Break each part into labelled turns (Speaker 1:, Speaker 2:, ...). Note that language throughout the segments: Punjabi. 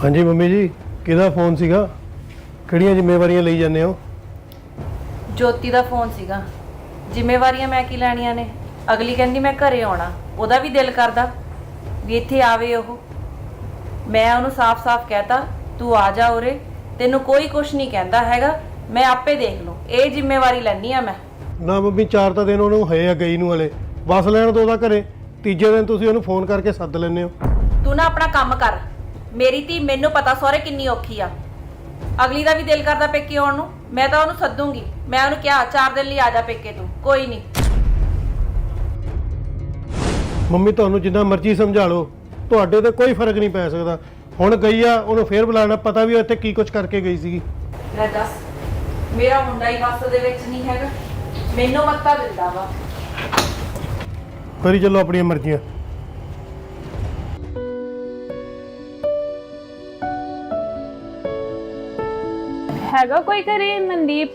Speaker 1: हाँ जी मम्मी जी किहदा फोन सीगा किहड़ियां जिम्मेवारियां लई जाने हो।
Speaker 2: ਜੋਤੀ ਦਾ ਫੋਨ ਸੀਗਾ। ਜ਼ਿੰਮੇਵਾਰੀਆਂ ਮੈਂ ਕੀ ਲੈਣੀਆਂ ਨੇ। ਅਗਲੀ ਕਹਿੰਦੀ ਮੈਂ ਘਰੇ ਆਉਣਾ, ਉਹਦਾ ਵੀ ਦਿਲ ਕਰਦਾ ਵੀ ਇੱਥੇ ਆਵੇ ਉਹ। ਮੈਂ ਉਹਨੂੰ ਸਾਫ਼-ਸਾਫ਼ ਕਹਿਤਾ ਤੂੰ ਆ ਜਾ ਉਰੇ, ਤੈਨੂੰ ਕੋਈ ਕੁਛ ਨਹੀਂ ਕਹਿੰਦਾ ਹੈਗਾ, ਮੈਂ ਆਪੇ ਦੇਖ ਲੂੰ। ਇਹ ਜ਼ਿੰਮੇਵਾਰੀ ਲੈਣੀ ਆ ਮੈਂ।
Speaker 1: ਨਾ ਮੰਮੀ 4 ਤਾਂ ਦਿਨ ਉਹਨੂੰ ਹੋਏ ਆ ਗਈ ਨੂੰ ਹਲੇ, ਬਸ ਲੈਣ ਤੋਂ ਉਹਦਾ ਘਰੇ। ਤੀਜੇ ਦਿਨ ਤੁਸੀਂ ਉਹਨੂੰ ਫੋਨ ਕਰਕੇ ਸੱਦ ਲੈਂਦੇ ਹੋ।
Speaker 2: ਤੂੰ ਨਾ ਆਪਣਾ ਕੰਮ ਕਰ। ਮੇਰੀ ਧੀ ਮੈਨੂੰ ਪਤਾ ਸਹੁਰੇ ਕਿੰਨੀ ਔਖੀ ਆ। ਅਗਲੀ ਦਾ ਵੀ ਦਿਲ ਕਰਦਾ ਪੇਕੇ ਆਉਣ ਨੂੰ, ਮੈਂ ਤਾਂ ਉਹਨੂੰ ਸੱਦੂਗੀ। ਮੈਂ ਉਹਨੂੰ ਕਿਹਾ 4 ਦਿਨ ਲਈ ਆ ਜਾ ਪੇਕੇ ਤੂੰ, ਕੋਈ ਨਹੀਂ।
Speaker 1: ਮੰਮੀ ਤੁਹਾਨੂੰ ਜਿੰਨਾ ਮਰਜ਼ੀ ਸਮਝਾ ਲਓ, ਤੁਹਾਡੇ ਤੇ ਕੋਈ ਫਰਕ ਨਹੀਂ ਪੈ ਸਕਦਾ। ਹੁਣ ਗਈ ਆ, ਉਹਨੂੰ ਫੇਰ ਬੁਲਾਣਾ, ਪਤਾ ਵੀ ਇੱਥੇ ਕੀ ਕੁਝ ਕਰਕੇ ਗਈ ਸੀਗੀ।
Speaker 2: ਲੈ ਦੱਸ, ਮੇਰਾ ਮੁੰਡਾ ਹੀ ਵਸ ਦੇ ਵਿੱਚ ਨਹੀਂ ਹੈਗਾ, ਮੈਨੂੰ ਮੱਤਾ ਦਿੰਦਾ ਵਾ।
Speaker 1: ਕਰੀ ਚੱਲੋ ਆਪਣੀਆਂ ਮਰਜ਼ੀਆਂ।
Speaker 3: ਹੈਗਾ ਕੋਈ ਘਰੇ? ਮਨਦੀਪ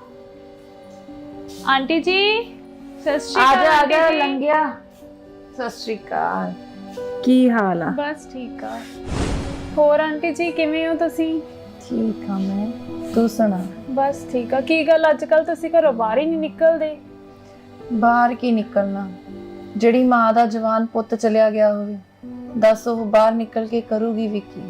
Speaker 3: ਆਂਟੀ ਜੀ ਸਤਿ ਸ਼੍ਰੀ ਅਕਾਲ।
Speaker 4: ਆ ਜਾ
Speaker 3: ਆਂਟੀ ਜੀ।
Speaker 4: ਲੰਘਿਆ। ਸਤਿ ਸ਼੍ਰੀ ਅਕਾਲ, ਕੀ ਹਾਲ ਆ?
Speaker 3: ਬਸ ਠੀਕ ਆ। ਹੋਰ ਆਂਟੀ ਜੀ ਕਿਵੇਂ ਹੋ ਤੁਸੀਂ?
Speaker 4: ਠੀਕ ਆ ਮੈਂ, ਤੂੰ ਸੁਣਾ?
Speaker 3: ਬਸ ਠੀਕ ਆ। ਕੀ ਗੱਲ ਅੱਜ ਕੱਲ ਤੁਸੀਂ ਘਰੋਂ ਬਾਹਰ ਹੀ ਨਹੀਂ ਨਿਕਲਦੇ?
Speaker 4: ਬਾਹਰ ਕੀ ਨਿਕਲਣਾ, ਜਿਹੜੀ ਮਾਂ ਦਾ ਜਵਾਨ ਪੁੱਤ ਚਲਿਆ ਗਿਆ ਹੋਵੇ, ਦੱਸ ਉਹ ਬਾਹਰ ਨਿਕਲ ਕੇ ਕਰੂਗੀ ਵੀ ਕੀ?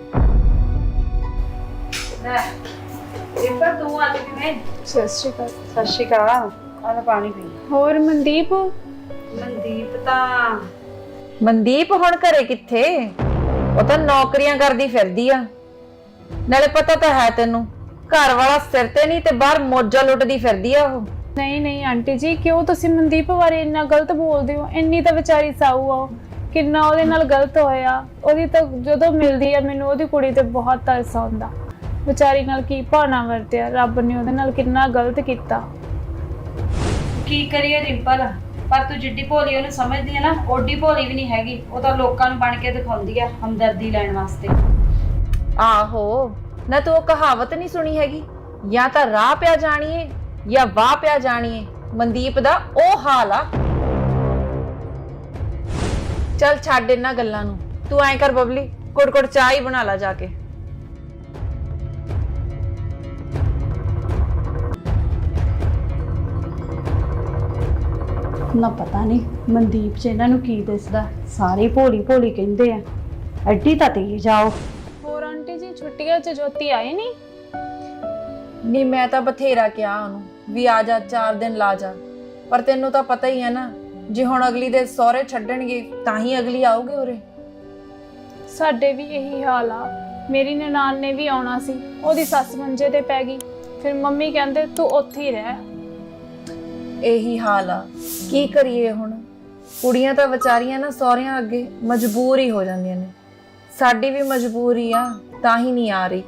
Speaker 2: ਰਿਪਾ ਤੂੰ ਅੱਜ ਕਿਵੇਂ?
Speaker 3: ਸਤਿ ਸ਼੍ਰੀ ਅਕਾਲ।
Speaker 2: ਸਤਿ ਸ਼੍ਰੀ ਅਕਾਲ। ਆਹ ਪਾਣੀ ਪੀ।
Speaker 3: ਹੋਰ ਮਨਦੀਪ?
Speaker 2: ਮਨਦੀਪ ਤਾਂ
Speaker 4: ਮਨਦੀਪ ਹੁਣ ਘਰੇ ਕਿੱਥੇ? ਉਹ ਤਾਂ ਨੌਕਰੀਆਂ ਕਰਦੀ ਫਿਰਦੀ ਆ। ਨਾਲੇ ਪਤਾ ਤਾਂ ਹੈ ਤੈਨੂੰ, ਘਰ ਵਾਲਾ ਸਿਰ ਤੇ ਨਹੀਂ ਤੇ ਬਾਹਰ ਮੌਜਾਂ ਲੁੱਟਦੀ ਫਿਰਦੀ ਆ ਉਹ।
Speaker 3: ਨਹੀਂ ਨਹੀਂ ਆਂਟੀ ਜੀ, ਕਿਉਂ ਤੁਸੀਂ ਮਨਦੀਪ ਬਾਰੇ ਇੰਨਾ ਗਲਤ ਬੋਲਦੇ ਹੋ? ਇੰਨੀ ਤਾਂ ਵਿਚਾਰੀ ਸਾਊ ਆ ਉਹ, ਕਿੰਨਾ ਉਹਦੇ ਨਾਲ ਗਲਤ ਹੋਇਆ। ਉਹਦੀ ਤਾਂ ਜਦੋਂ ਮਿਲਦੀ ਆ ਮੈਨੂੰ ਉਹਦੀ ਕੁੜੀ ਤੇ ਬਹੁਤ ਤਰਸ ਆਉਂਦਾ। ਵਿਚਾਰੀ ਨਾਲ ਕੀ ਭਾਣਾ ਵਰਤਿਆ ਰੱਬ ਨੇ, ਉਹਦੇ ਨਾਲ ਕਿੰਨਾ ਗਲਤ ਕੀਤਾ।
Speaker 2: ਕੀ ਕਰੀਏ ਰਿੰਪਲ, ਪਰ ਤੂੰ ਜਿੱਡੀ ਭੋਲੀ ਉਹਨੂੰ ਸਮਝਦੀ ਹੈ ਨਾ, ਓਡੀ ਭੋਲੀ ਵੀ ਨਹੀਂ ਹੈਗੀ। ਉਹ ਤਾਂ ਲੋਕਾਂ ਨੂੰ ਬਣ ਕੇ ਦਿਖਾਉਂਦੀ ਆ ਹਮਦਰਦੀ ਲੈਣ ਵਾਸਤੇ।
Speaker 4: ਆਹੋ ਨਾ, ਤੂੰ ਉਹ ਕਹਾਵਤ ਨਹੀਂ ਸੁਣੀ ਹੈਗੀ, ਜਾਂ ਤਾਂ ਰਾਹ ਪਿਆ ਜਾਣੀਏ ਜਾਂ ਵਾਹ ਪਿਆ ਜਾਣੀਏ। ਮਨਦੀਪ ਦਾ ਉਹ ਹਾਲ ਆ। ਚੱਲ ਛੱਡ ਇਹਨਾਂ ਗੱਲਾਂ ਨੂੰ, ਤੂੰ ਐਂ ਕਰ ਬਬਲੀ, ਕੁੜ ਚਾਹ ਹੀ ਬਣਾ ਲਾ ਜਾ ਕੇ।
Speaker 5: ਨਾ ਪਤਾ ਨਹੀਂ ਮਨਦੀਪ 'ਚ ਇਹਨਾਂ ਨੂੰ ਕੀ ਦਿਸਦਾ, ਸਾਰੇ ਭੋਲੀ ਭੋਲੀ ਕਹਿੰਦੇ ਆ। ਐਡੀ ਤਾਂ ਤੇਜ਼ ਜਾਓ।
Speaker 3: ਹੋਰ ਆਂਟੀ ਜੀ ਛੁੱਟੀਆਂ 'ਚ ਜੋਤੀ ਆਏ ਨਹੀਂ?
Speaker 4: ਨਹੀਂ ਮੈਂ ਤਾਂ ਬਥੇਰਾ ਕਿਹਾ ਉਹਨੂੰ ਵੀ ਆ ਜਾ, 4 ਦਿਨ ਲਾ ਜਾ, ਪਰ ਤੈਨੂੰ ਤਾਂ ਪਤਾ ਹੀ ਹੈ ਨਾ, ਜੇ ਹੁਣ ਅਗਲੀ ਦੇ ਸਹੁਰੇ ਛੱਡਣਗੇ ਤਾਂ ਹੀ ਅਗਲੀ ਆਊਗੀ ਉਰੇ।
Speaker 3: ਸਾਡੇ ਵੀ ਇਹੀ ਹਾਲ ਆ। ਮੇਰੀ ਨਨਾਣ ਨੇ ਵੀ ਆਉਣਾ ਸੀ, ਉਹਦੀ ਸੱਸ ਮੰਜੇ ਤੇ ਪੈ ਗਈ। ਫਿਰ ਮੰਮੀ ਕਹਿੰਦੇ ਤੂੰ ਉੱਥੇ ਹੀ ਰਹਿ।
Speaker 4: ਇਹੀ ਹਾਲ ਆ, ਕੀ ਕਰੀਏ ਹੁਣ? ਕੁੜੀਆਂ ਤਾਂ ਵਿਚਾਰੀਆਂ ਨਾ ਸਹੁਰਿਆਂ ਅੱਗੇ ਮਜਬੂਰ ਹੀ ਹੋ ਜਾਂਦੀਆਂ ਨੇ। ਸਾਡੀ ਵੀ ਮਜਬੂਰੀ ਆ, ਤਾਂ ਹੀ ਨਹੀਂ ਆ ਰਹੀ।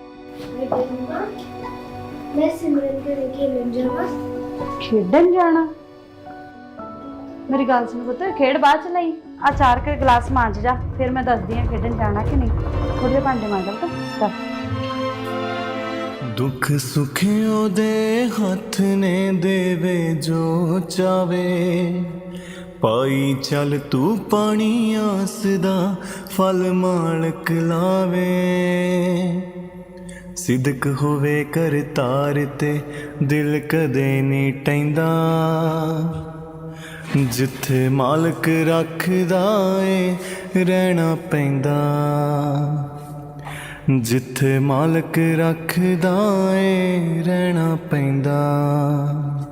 Speaker 6: ਮੈਂ ਸਿਮਰਨ ਘਰੇ ਖੇਡਣ ਜਾਵਾਂ।
Speaker 5: ਖੇਡਣ ਜਾਣਾ? ਮੇਰੀ ਗੱਲ ਸੁਣ ਪੁੱਤ, ਖੇਡ ਬਾਅਦ ਚ ਲਈ ਆ 4 ਕੇ ਗਲਾਸ ਮਾਂਜ ਜਾ, ਫਿਰ ਮੈਂ ਦੱਸਦੀ ਆ ਖੇਡਣ ਜਾਣਾ ਕਿ ਨਹੀਂ। ਥੋੜੇ ਜਿਹੇ ਭਾਂਡੇ ਮਾਂਜ ਲਾ ਤਾਂ।
Speaker 7: दुख सुख ओदे हथ ने देवे जो चावे, पाई चल तू पानी आस दा फल मालक लावे। सिदक होवे कर तार ते दिल कदे नहीं टैंदा, जिथे मालक रखदा ए रहना पैंदा। जिथे मालक रखदा ए रहना पैंदा।